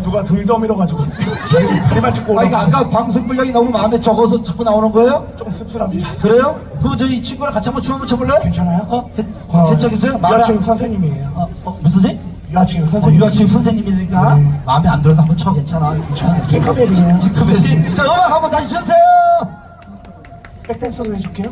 누가 들더 밀어가지고 다리만 찍고 이거 아까 방송 분량이 너무 마음에 적어서 자꾸 나오는 거예요? 좀 씁쓸합니다. 그래요? 그럼 저희 친구랑 같이 한번 춤 한번 춰볼래요? 괜찮아요? 괜찮겠어요? 유아체육 선생님이에요. 무슨 선생님? 유아체육 선생님. 유아체육 선생님이니까 네. 마음에 안 들어도 한번 쳐. 괜찮아. 팅커벨이에요. 팅커벨이. 자, 음악 한번 다시 주세요. 백댄서로 해줄게요.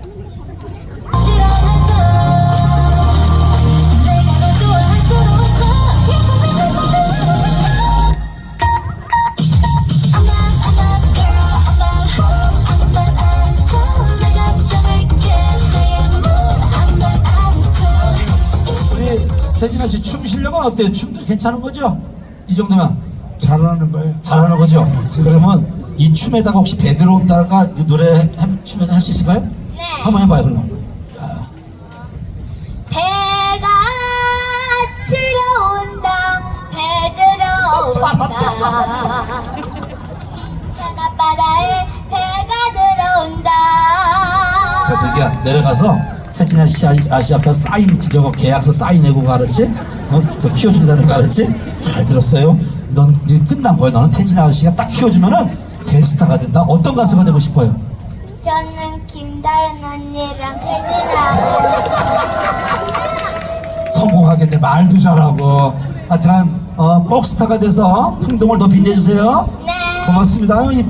우리 태진아 씨 춤 실력은 어때요? 춤도 괜찮은 거죠? 이 정도면 잘하는 거예요. 잘하는 거죠? 그러면 이 춤에다가 혹시 배 들어온다가 노래 춤에서 할 수 있을까요? 네. 한번 해봐요 그럼. 배가 들어온다 배 들어온다 바다에 배가 들어온다. 자 저기야 내려가서 태진아 씨 아시 앞에 사인 저거 계약서 사인해고 가르치? 더 키워준다는 거 알았지? 잘 들었어요. 넌 이제 끝난 거야. 너는 태진아 아저씨가 딱 키워주면은 대스타가 된다. 어떤 가수가 되고 싶어요? 저는 김다연 언니랑 태진아. 성공하겠네. 말도 잘하고. 하여튼 꼭 스타가 돼서 풍동을 더 빛내주세요. 네. 고맙습니다. 아유,